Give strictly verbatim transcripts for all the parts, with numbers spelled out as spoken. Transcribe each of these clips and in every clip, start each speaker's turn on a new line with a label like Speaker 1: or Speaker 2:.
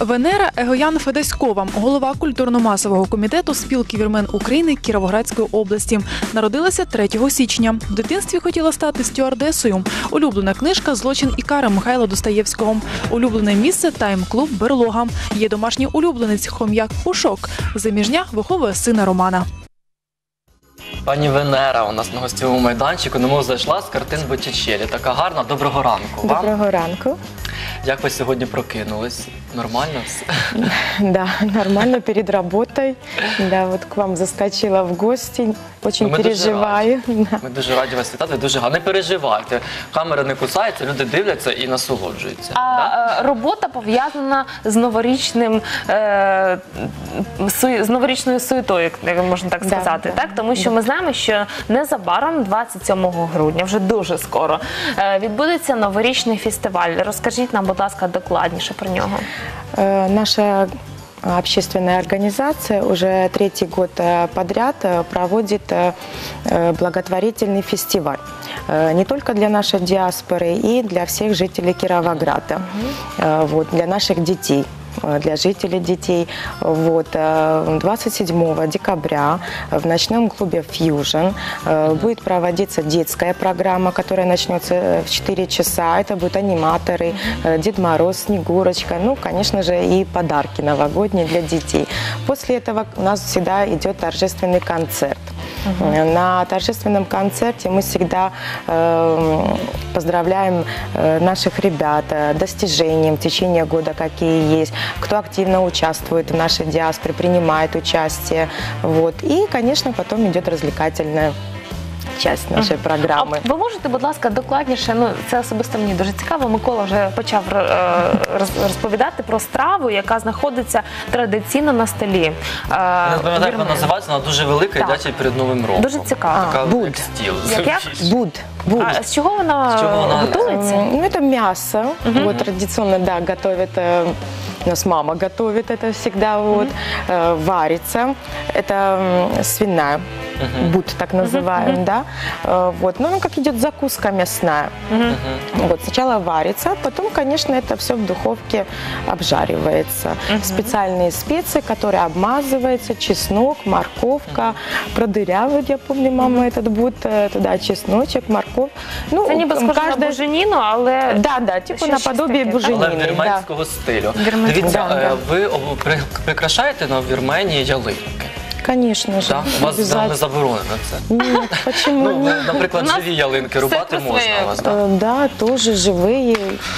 Speaker 1: Венера Егоян Федеськова, голова культурно-масового комітету Спілки вірмен України Кіровоградської області. Народилася третього січня. В дитинстві хотіла стати стюардесою. Улюблена книжка «Злочин і кара» Михайла Достоєвського. Улюблене місце – тайм-клуб «Берлога». Є домашній улюбленець – хом'як Пушок. Заміжня виховує сина Романа.
Speaker 2: Пані Венера у нас на гостєвому майданчику, немов зайшла з картин Боттічеллі. Така гарна. Доброго ранку вам.
Speaker 3: Доброго ранку.
Speaker 2: Як ви сьогодні прокинулись? Нормально все?
Speaker 3: Да, нормально, перед работой. Да, вот к вам заскочила в гости. Очень
Speaker 2: Ми
Speaker 3: переживаю.
Speaker 2: Дуже
Speaker 3: Да.
Speaker 2: Ми дуже раді вас вітати. Дуже гарно. Не переживайте. Камера не кусається, люди дивляться і насолоджуються.
Speaker 4: А
Speaker 2: так?
Speaker 4: робота пов'язана з новорічним, е, су, з новорічною суєтою, як можна так сказати,
Speaker 3: Да,
Speaker 4: так? Тому що ми знаємо, що незабаром, двадцять сьомого грудня, вже дуже скоро, е, відбудеться новорічний фестиваль. Розкажіть нам, будь ласка, докладніше про нього.
Speaker 3: Э, Наша общественная организация уже третий год э, подряд э, проводит э, э, благотворительный фестиваль. Э, Не только для нашей диаспоры, и для всех жителей Кировограда, э, вот, для наших детей. Для жителей детей. Вот. двадцать седьмого декабря в ночном клубе «Фьюжн» будет проводиться детская программа, которая начнется в четыре часа. Это будут аниматоры, Дед Мороз, Снегурочка, ну, конечно же, и подарки новогодние для детей. После этого у нас всегда идет торжественный концерт. Uh-huh. На торжественном концерте мы всегда э, поздравляем э, наших ребят э, достижением в течение года, какие есть, кто активно участвует в нашей диаспоре, принимает участие. Вот. И, конечно, потом идет развлекательная часть нашої програми.
Speaker 4: А ви можете, будь ласка, докладніше, ну це особисто мені дуже цікаво, Микола вже почав розповідати про страву, яка знаходиться традиційно на столі.
Speaker 2: Не пам'ятаю, як вона називається, вона дуже велика, їдять перед Новим роком.
Speaker 4: Дуже цікаво.
Speaker 2: Така
Speaker 3: буд.
Speaker 2: як стіл.
Speaker 4: Як як?
Speaker 3: Буд. Буд.
Speaker 4: А з чого вона,
Speaker 2: З чого вона
Speaker 4: готується?
Speaker 3: Ну, это мясо.
Speaker 4: Мгм.
Speaker 3: Вот традиционно, да, готовят, э, у нас мама готовит это всегда, вот, э, варится. Это м, свиная,
Speaker 2: Мгм.
Speaker 3: буд так называем, да. Э, вот, ну, ну, как идет закуска мясная.
Speaker 4: Мгм.
Speaker 3: Вот, сначала варится, потом, конечно, это все в духовке обжаривается.
Speaker 4: Мгм.
Speaker 3: Специальные специи, которые обмазываются, чеснок, морковка, продырявают, я помню, мама этот буд, э, туда чесночек, морковь. Ну,
Speaker 4: Це ніби схоже на буженіну, але...
Speaker 3: Да, да, типу
Speaker 4: Щось
Speaker 3: наподобие
Speaker 4: таке, так?
Speaker 2: Але
Speaker 3: буженины. Да.
Speaker 2: вірменського стилю.
Speaker 4: Вірменського.
Speaker 2: Дивіться,
Speaker 3: Да,
Speaker 2: е,
Speaker 3: да.
Speaker 2: ви об- при- прикрашаєте на Вірменії ялинки?
Speaker 3: Конечно же,
Speaker 2: Так? У вас да, не
Speaker 3: обязательно.
Speaker 2: заборонено це?
Speaker 3: Нет, почему
Speaker 2: Ну,
Speaker 3: нет?
Speaker 2: наприклад,
Speaker 4: У нас
Speaker 2: живі ялинки
Speaker 4: все
Speaker 2: рубати
Speaker 4: про
Speaker 2: можна
Speaker 4: своє.
Speaker 2: у вас, так?
Speaker 3: Э, Да, тоже живые.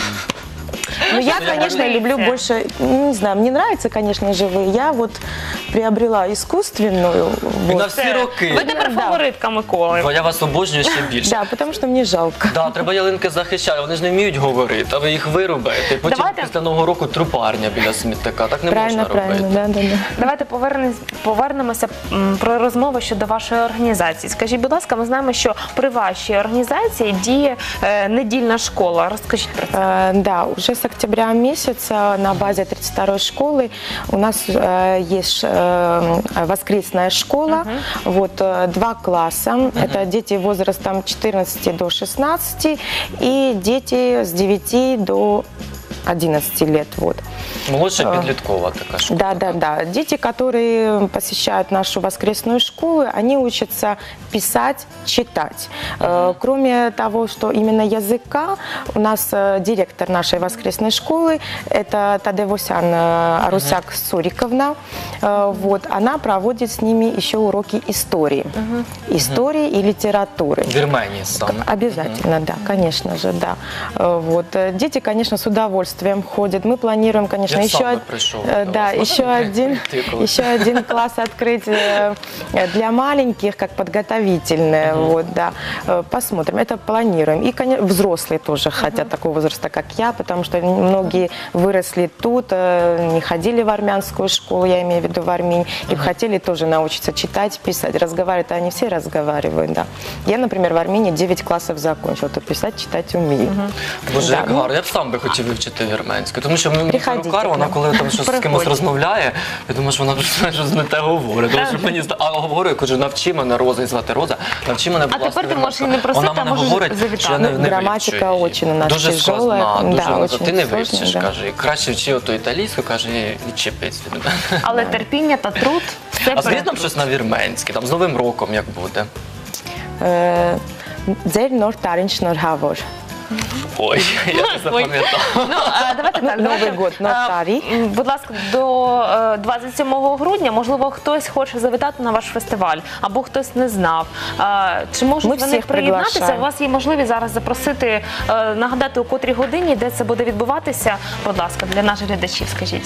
Speaker 3: Но я,
Speaker 2: я
Speaker 3: конечно,
Speaker 4: говорю-
Speaker 3: люблю больше, ну, не знаю, мне нравятся, конечно, живые. Я вот приобрела искусственную.
Speaker 2: І на
Speaker 3: Вот.
Speaker 2: всі роки.
Speaker 4: Ви тепер
Speaker 3: Да.
Speaker 4: фаворитка Миколи.
Speaker 2: Бо я вас обожнюю ще більше.
Speaker 3: Да, потому что мне жалко.
Speaker 2: Да, треба ялинки захищати, вони ж не вміють говорити, а ви їх вирубаєте. Потім
Speaker 4: Давайте-
Speaker 2: після Нового року трупарня біля смітника. Так не
Speaker 3: Правильно,
Speaker 2: можна
Speaker 3: правильно,
Speaker 2: робити.
Speaker 3: да, да, да.
Speaker 4: Давайте повернемось, повернемося м, про розмову щодо вашої організації. Скажіть, будь ласка, ми знаємо, що при вашій організації діє е, недільна школа. Розкажіть про це.
Speaker 3: Э, Да, уже с октября месяца на базе тридцать второй школы у нас э, есть э, воскресная школа, вот э, два класса, это дети возрастом четырнадцати до шестнадцати и дети с девяти до одиннадцати лет, вот.
Speaker 2: Молодша підліткова така школа.
Speaker 3: Да, да, да. Дети, которые посещают нашу воскресную школу, они учатся писать, читать. Э, Кроме того, что именно языка, у нас э, директор нашей воскресной школы, это Тадевосян э, Арусяк Суриковна, Э, вот, она проводит с ними еще уроки истории. Истории и литературы.
Speaker 2: В Вірменії саме.
Speaker 3: Обязательно, да, конечно же, да. Э, Вот. э, Дети, конечно, с удовольствием ходят. Мы планируем, конечно,
Speaker 2: Я
Speaker 3: еще,
Speaker 2: сам бы
Speaker 3: од-
Speaker 2: пришел
Speaker 3: э,
Speaker 2: до
Speaker 3: да,
Speaker 2: вас.
Speaker 3: еще один,
Speaker 2: Тыкал.
Speaker 3: еще один класс открыть э, для маленьких, как подготовительное. Вот, да. Э, Посмотрим, это планируем. И, конечно, взрослые тоже хотят такого возраста, как я, потому что многие выросли тут, э, не ходили в армянскую школу, я имею в виду в Армении, и хотели тоже научиться читать, писать. Разговаривать они все разговаривают, да. Я, например, в Армении девять классов закончила, то писать, читать умею.
Speaker 2: Боже,
Speaker 3: Да,
Speaker 2: як
Speaker 3: ну,
Speaker 2: гарно. Я б сам би хотів вивчити вивчити вірменську? Тому що мені
Speaker 3: Приходіть
Speaker 2: перукар,
Speaker 3: к
Speaker 2: вона
Speaker 3: нам.
Speaker 2: коли там щось з кимось
Speaker 4: Приходьте.
Speaker 2: розмовляє, я думаю, що вона вже щось не те говорить. Тому що мені зда- а говорю, я кажу, навчи мене Роза, і звати Роза, навчи мене, будь
Speaker 4: А
Speaker 2: ласка,
Speaker 4: тепер ти можеш і
Speaker 2: вірменську.
Speaker 4: не просити,
Speaker 2: Вона
Speaker 4: а
Speaker 2: мене
Speaker 4: можеш
Speaker 2: говорить,
Speaker 4: завітати.
Speaker 2: що я не, не
Speaker 3: Граматика
Speaker 2: вивчу її.
Speaker 3: очень у нас
Speaker 2: дуже
Speaker 3: тяжелая,
Speaker 2: складна, дуже,
Speaker 3: да,
Speaker 2: вона,
Speaker 3: очень
Speaker 2: ти не
Speaker 3: сложная,
Speaker 2: вивчиш,
Speaker 3: да.
Speaker 2: каже, і краще вчи ото італійську, каже, і відчепись від мене.
Speaker 4: Але терпіння та труд все
Speaker 2: А скажіть
Speaker 4: перед-
Speaker 2: нам щось на вірменське, там з Новим роком як буде?
Speaker 3: Э, Дзель нор таринч нор гавор.
Speaker 2: Ой, я не запам'ятав.
Speaker 4: Ну, а, давайте так.
Speaker 3: Новий
Speaker 4: давайте,
Speaker 3: год,
Speaker 4: а,
Speaker 3: нотарій.
Speaker 4: м, Будь ласка, до е, двадцять сьомого грудня, можливо, хтось хоче завітати на ваш фестиваль, або хтось не знав. А, Чи можуть
Speaker 3: Ми
Speaker 4: вони
Speaker 3: всіх
Speaker 4: приєднатися?
Speaker 3: приглашаємо.
Speaker 4: У вас є можливість зараз запросити, е, нагадати, у котрій годині, де це буде відбуватися. Будь ласка, для наших глядачів скажіть.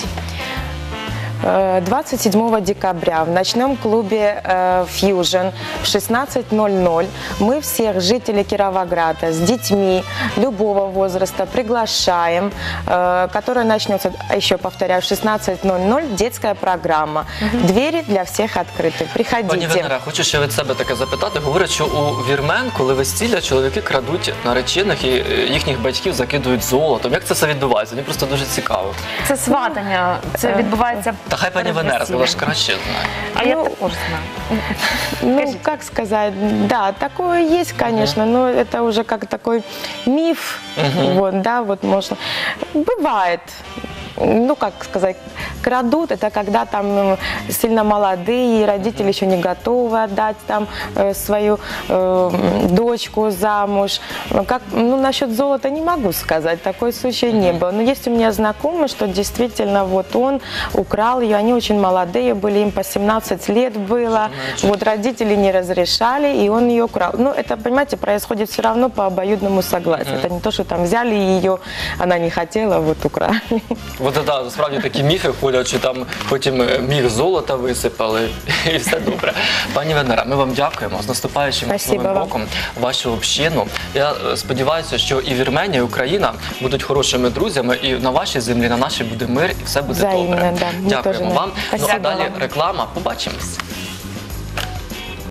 Speaker 3: Э, двадцать седьмого декабря в ночном клубе э, Fusion в шестнадцать ноль ноль мы всех жителей Кировограда с детьми любого возраста приглашаем, э, которая начнется, еще повторяю, в шестнадцать ноль ноль, детская программа. Двери для всех открыты.
Speaker 2: Пані
Speaker 3: Приходите.
Speaker 2: Венера, хочу ще від себе таке запитати. Говорять, що у вірмен, коли весілля, чоловіки крадуть наречених і е, їхніх батьків закидують золотом. Як це все відбувається? Мені просто дуже цікаво.
Speaker 4: Це сватання, це відбувається.
Speaker 2: Та хай пані
Speaker 4: перед
Speaker 2: Венера,
Speaker 4: весіллям.
Speaker 2: вона ж краще знає.
Speaker 4: А я
Speaker 3: Ну,
Speaker 4: також знаю.
Speaker 3: Ну,
Speaker 4: Скажите.
Speaker 3: как сказать, да, такое есть, конечно, но это уже как такой миф, вот, да, вот можно. Бывает, ну, как сказать, крадут, это когда там м, сильно молодые, родители еще не готовы отдать там э, свою э, м, дочку замуж. Ну, Как, ну, насчет золота не могу сказать, такой случай не был. Но есть у меня знакомый, что действительно вот он украл ее, они очень молодые были, им по семнадцать лет было, вот родители не разрешали, и он ее украл. Ну, это, понимаете, происходит все равно по обоюдному согласию. Это не то, что там взяли ее, она не хотела, вот украли.
Speaker 2: От да, справді такі міфи ходять, що там потім е, міг золота висипали і все добре. Пані Венера, ми вам дякуємо. З наступаючим вас
Speaker 3: Спасибо
Speaker 2: Новим
Speaker 3: вам.
Speaker 2: роком, вашу общину. Я е, сподіваюся, що і Вірменія, і Україна будуть хорошими друзями, і на вашій землі, на нашій буде мир, і все буде
Speaker 3: Взаємно,
Speaker 2: добре.
Speaker 3: да. Ми
Speaker 2: Дякуємо
Speaker 3: теж,
Speaker 2: вам. Ну а
Speaker 3: спасибо
Speaker 2: далі
Speaker 3: вам.
Speaker 2: реклама. Побачимось.